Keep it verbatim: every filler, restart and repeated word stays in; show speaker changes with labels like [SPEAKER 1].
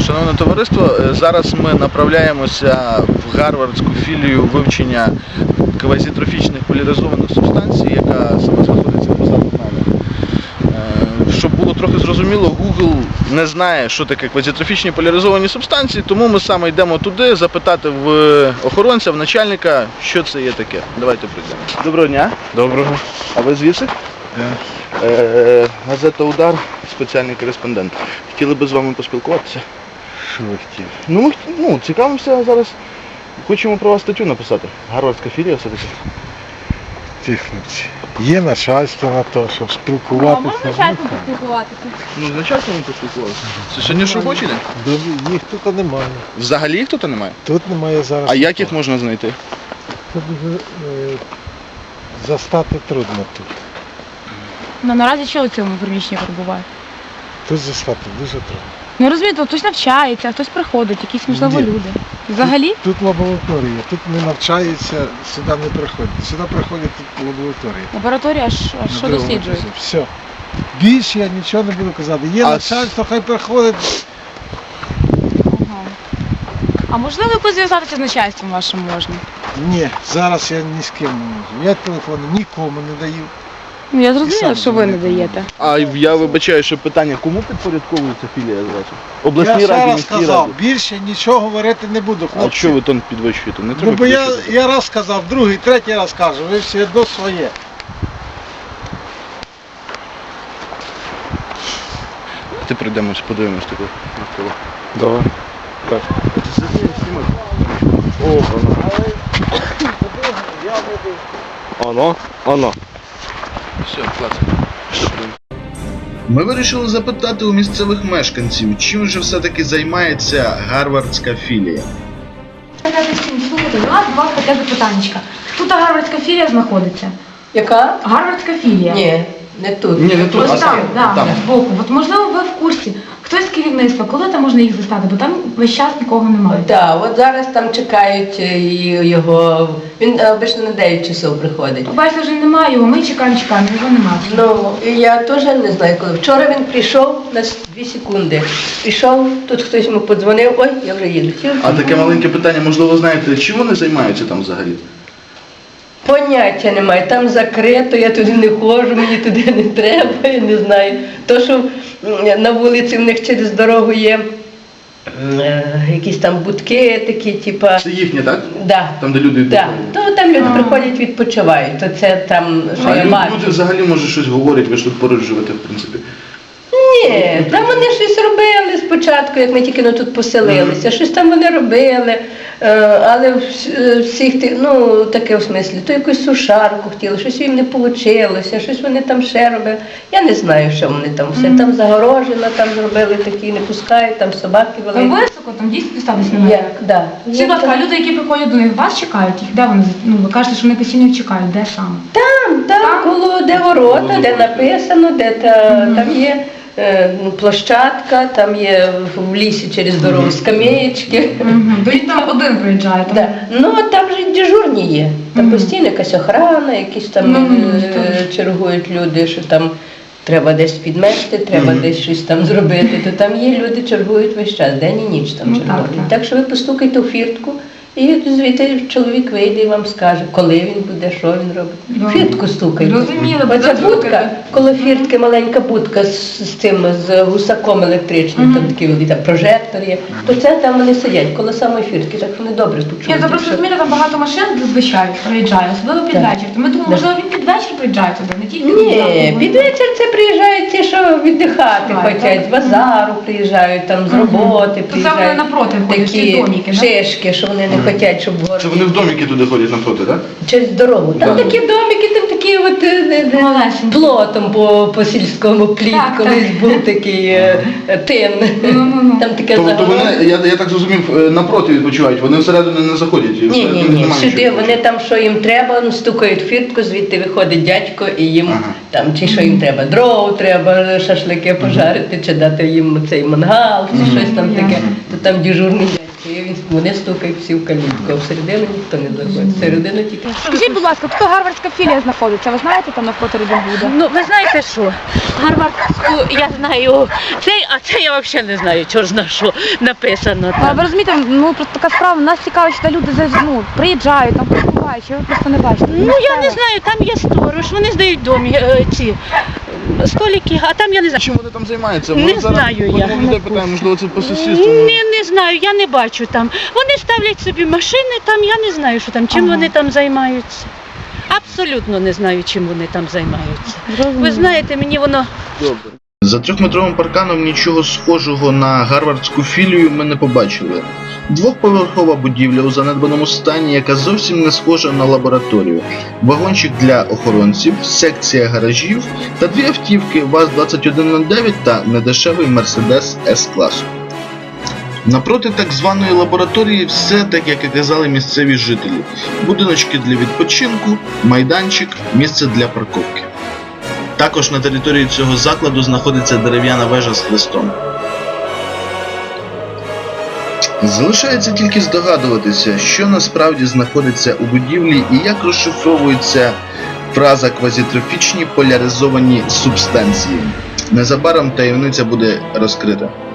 [SPEAKER 1] Шановне товариство, зараз ми направляємося в гарвардську філію вивчення квазітрофічних поляризованих субстанцій, яка саме знаходиться позаду нами. Щоб було трохи зрозуміло, Google не знає, що таке квазітрофічні поляризовані субстанції, тому ми саме йдемо туди запитати в охоронця, в начальника, що це є таке. Давайте прийдемо. Доброго дня.
[SPEAKER 2] Доброго.
[SPEAKER 1] А ви звідси?
[SPEAKER 2] Да.
[SPEAKER 1] Е, газета «Удар», спеціальний кореспондент. Хотіли би з вами поспілкуватися?
[SPEAKER 2] Що ви хотіли?
[SPEAKER 1] Ну, ми ну, цікавимося зараз. Хочемо про вас статтю написати. Гарвардська філія все-таки.
[SPEAKER 2] Тихнуть. Є начальство на те, щоб
[SPEAKER 3] А
[SPEAKER 2] спілкуватися.
[SPEAKER 3] можна начальством поспілкуватися?
[SPEAKER 1] Ну, з начальством ми поспілкувалися. Це сьогодні ж робочий день?
[SPEAKER 2] Добре, їх тут немає.
[SPEAKER 1] Взагалі їх тут немає?
[SPEAKER 2] Тут немає зараз.
[SPEAKER 1] А як їх можна знайти?
[SPEAKER 2] Тут дуже е, застати трудно тут.
[SPEAKER 3] Ну наразі що у цьому приміщенні перебуває?
[SPEAKER 2] Тут застати дуже трудно.
[SPEAKER 3] Ну розумієте, хтось навчається, а хтось приходить, якісь можливо
[SPEAKER 2] Ні.
[SPEAKER 3] люди. Взагалі?
[SPEAKER 2] Тут, тут лабораторія, тут не навчаються, сюди не приходять. Сюди приходять тут лабораторія.
[SPEAKER 3] Лабораторія, а що, а що досліджують?
[SPEAKER 2] Все. Більше я нічого не буду казати. Є
[SPEAKER 1] А
[SPEAKER 2] начальство, хай приходить.
[SPEAKER 3] Ага. А можливо якось зв'язатися з начальством вашим можна?
[SPEAKER 2] Ні, зараз я ні з ким не можу. Я телефон нікому не даю.
[SPEAKER 3] Ну я
[SPEAKER 2] І
[SPEAKER 3] зрозуміла,
[SPEAKER 2] сам
[SPEAKER 3] що ви не
[SPEAKER 2] не
[SPEAKER 3] даєте.
[SPEAKER 1] А я вибачаю, що питання, кому підпорядковується філія зразу? Обласній
[SPEAKER 2] Я ще
[SPEAKER 1] раді,
[SPEAKER 2] раз
[SPEAKER 1] міській
[SPEAKER 2] сказав,
[SPEAKER 1] раді?
[SPEAKER 2] більше нічого говорити не буду,
[SPEAKER 1] А
[SPEAKER 2] хлопці.
[SPEAKER 1] що ви тон підвищуєте? Не
[SPEAKER 2] Ну
[SPEAKER 1] треба
[SPEAKER 2] бо я,
[SPEAKER 1] підвищувати.
[SPEAKER 2] я раз сказав, другий, третій раз кажу, ви всі одно своє.
[SPEAKER 1] Ти прийдемось, подивимось таку навколо.
[SPEAKER 2] Давай. Так.
[SPEAKER 1] О, воно.
[SPEAKER 2] Оно, оно.
[SPEAKER 1] Все, класно. Ми вирішили запитати у місцевих мешканців, чим же все-таки займається гарвардська філія.
[SPEAKER 3] Слухайте, у нас два таке запитаннячка. Тут гарвардська філія знаходиться.
[SPEAKER 4] Яка?
[SPEAKER 3] Гарвардська філія.
[SPEAKER 4] Ні, не тут.
[SPEAKER 1] Ні, не тут,
[SPEAKER 3] Ось
[SPEAKER 1] а
[SPEAKER 3] там,
[SPEAKER 1] там,
[SPEAKER 3] да,
[SPEAKER 1] там.
[SPEAKER 3] збоку. От можливо ви в курсі. Хтось з керівництва, коли там можна їх застати, бо там весь час нікого немає.
[SPEAKER 4] Так, от зараз там чекають е, і його. Він е, обично на дев'ять часов приходить.
[SPEAKER 3] Бачите, вже немає його, ми чекаємо, чекаємо, його немає.
[SPEAKER 4] Ну, і я теж не знаю коли. Вчора він прийшов на дві секунди. Прийшов, тут хтось йому подзвонив, ой, я вже їду.
[SPEAKER 1] А таке маленьке питання, можливо, знаєте, чим вони займаються там взагалі?
[SPEAKER 4] Поняття немає, там закрито, я туди не ходжу, мені туди не треба, я не знаю. То, що м, на вулиці в них через дорогу є м, е, якісь там будки такі, типа.
[SPEAKER 1] Це їхнє, так?
[SPEAKER 4] Да.
[SPEAKER 1] Там, де люди
[SPEAKER 4] Да.
[SPEAKER 1] відпочивають.
[SPEAKER 4] То там люди
[SPEAKER 3] А.
[SPEAKER 4] приходять, відпочивають, то це там, що
[SPEAKER 1] А
[SPEAKER 4] є
[SPEAKER 1] люди,
[SPEAKER 4] маркет.
[SPEAKER 1] люди взагалі, може, щось говорять, ви ж тут поруч живете, в принципі.
[SPEAKER 4] Ні, там вони щось робили спочатку, як ми тільки ну, тут поселилися, щось там вони робили, е, але вс- е, всіх тих, ну таке в смислі, то якусь сушарку хотіли, щось їм не вийшло, щось вони там ще робили. Я не знаю, що вони там все. Там загорожено, там зробили такі, не пускають, там собаки
[SPEAKER 3] Там
[SPEAKER 4] великі.
[SPEAKER 3] високо, там дійсно дістатись немає.
[SPEAKER 4] Як, да.
[SPEAKER 3] Всі, будь ласка, а люди, які приходять до них, вас чекають, їх де вони? Ну, ви кажете, що вони постійно їх чекають, де саме?
[SPEAKER 4] Там, там,
[SPEAKER 3] Там?
[SPEAKER 4] коло де ворота, де написано, де та,
[SPEAKER 3] Мгм.
[SPEAKER 4] там є е, площадка, там є в лісі через дорогу скамеєчки.
[SPEAKER 3] Угу. Ви там один приїжджаєте?
[SPEAKER 4] Да. Ну, а там же дежурні є. Там
[SPEAKER 3] Мгм.
[SPEAKER 4] постійно якась охрана, якісь там
[SPEAKER 3] Ну, ну, ну,
[SPEAKER 4] е,
[SPEAKER 3] так.
[SPEAKER 4] чергують люди, що там треба десь підмести, треба
[SPEAKER 1] Мгм.
[SPEAKER 4] десь щось там зробити. То там є люди, чергують весь час, день і ніч там
[SPEAKER 3] Ну,
[SPEAKER 4] чергують.
[SPEAKER 3] так,
[SPEAKER 4] Так,
[SPEAKER 3] так.
[SPEAKER 4] що ви постукайте у фіртку. І звідти чоловік вийде і вам скаже, коли він буде, що він робить.
[SPEAKER 3] Да.
[SPEAKER 4] Фіртку стукайте.
[SPEAKER 3] Зрозуміло,
[SPEAKER 4] Оця
[SPEAKER 3] буде
[SPEAKER 4] будка,
[SPEAKER 3] стукати.
[SPEAKER 4] коло фіртки маленька будка з, з тим, з гусаком електричним,
[SPEAKER 3] Мгм.
[SPEAKER 4] там такий великий там прожектор є, то це там вони сидять коло самої фіртки, так вони добре
[SPEAKER 3] Ні,
[SPEAKER 4] почують.
[SPEAKER 3] це просто розумієте, там багато машин зазвичай приїжджає, особливо під
[SPEAKER 4] Так.
[SPEAKER 3] вечір. То ми думали,
[SPEAKER 4] Да.
[SPEAKER 3] можливо, він під вечір приїжджає туди, не тільки
[SPEAKER 4] Ні,
[SPEAKER 3] зранку.
[SPEAKER 4] під вечір це приїжджають ті, що віддихати
[SPEAKER 3] Так,
[SPEAKER 4] хочуть,
[SPEAKER 3] так.
[SPEAKER 4] з базару приїжджають, там з
[SPEAKER 3] Мгм.
[SPEAKER 4] роботи
[SPEAKER 3] То це
[SPEAKER 4] приїжджають.
[SPEAKER 3] вони напроти ходять, ці
[SPEAKER 4] такі
[SPEAKER 3] домики, да?
[SPEAKER 4] шишки, що вони не хочуть, щоб в
[SPEAKER 1] Це
[SPEAKER 4] городі.
[SPEAKER 1] вони в домики туди ходять навпроти, так?
[SPEAKER 4] Через дорогу. Там
[SPEAKER 1] Да.
[SPEAKER 4] такі домики, там такі от е, е, е,
[SPEAKER 3] Малесенькі.
[SPEAKER 4] плотом по, по сільському пліт,
[SPEAKER 3] Так,
[SPEAKER 4] колись
[SPEAKER 3] так.
[SPEAKER 4] був такий е, е, тин.
[SPEAKER 3] Ну-ну-ну.
[SPEAKER 4] Там таке
[SPEAKER 1] То, то
[SPEAKER 4] загорожено.
[SPEAKER 1] вони, я, я так зрозумів, е, напроти відпочивають, вони всередину не заходять. і
[SPEAKER 4] Ні,
[SPEAKER 1] всередині
[SPEAKER 4] ні, ні.
[SPEAKER 1] немає
[SPEAKER 4] Сюди
[SPEAKER 1] нічого.
[SPEAKER 4] вони там, що їм треба, ну, стукають в фіртку, звідти виходить дядько і їм
[SPEAKER 1] Ага.
[SPEAKER 4] там чи що їм треба, дров треба, шашлики пожарити, чи дати їм цей мангал, чи
[SPEAKER 1] Мгм.
[SPEAKER 4] щось там таке.
[SPEAKER 3] Ясно.
[SPEAKER 4] То там дежурний дядько І він- Вони стукають всі в калітку, а всередину ніхто не заходить. Всередину тільки.
[SPEAKER 3] Скажіть, будь ласка, тут гарвардська філія знаходиться. Ви знаєте, там навпроти Робін-Гуда?
[SPEAKER 5] Ну, ви знаєте що? Гарвардську я знаю цей, а це я взагалі не знаю, чого ж на що написано
[SPEAKER 3] А ви
[SPEAKER 5] там.
[SPEAKER 3] розумієте, ну просто така справа, нас цікавить, що люди за- ну, приїжджають, там перебувають, чи ви просто не бачите.
[SPEAKER 5] Ну я не знаю, там є сторож, вони здають домі е, ці е, столики, а там я не знаю.
[SPEAKER 1] Чим вони там займаються?
[SPEAKER 5] Не
[SPEAKER 1] Ми зараз
[SPEAKER 5] знаю я.
[SPEAKER 1] у людей питаємо, можливо, це по сусідству.
[SPEAKER 5] Не, не знаю, я не бачу там. Вони ставлять собі машини там, я не знаю, що там, чим
[SPEAKER 3] Ага.
[SPEAKER 5] вони там займаються. Абсолютно не знаю, чим вони там займаються.
[SPEAKER 3] Зрозуміло.
[SPEAKER 5] Ви знаєте, мені воно
[SPEAKER 1] Добре. За трьохметровим парканом нічого схожого на гарвардську філію ми не побачили. Двохповерхова будівля у занедбаному стані, яка зовсім не схожа на лабораторію. Вагончик для охоронців, секція гаражів та дві автівки ВАЗ двадцять один нуль дев'ять та недешевий Мерседес С-класу. Напроти так званої лабораторії все так, як і казали місцеві жителі. Будиночки для відпочинку, майданчик, місце для парковки. Також на території цього закладу знаходиться дерев'яна вежа з хрестом. Залишається тільки здогадуватися, що насправді знаходиться у будівлі і як розшифровується фраза квазітрофічні поляризовані субстанції. Незабаром таємниця буде розкрита.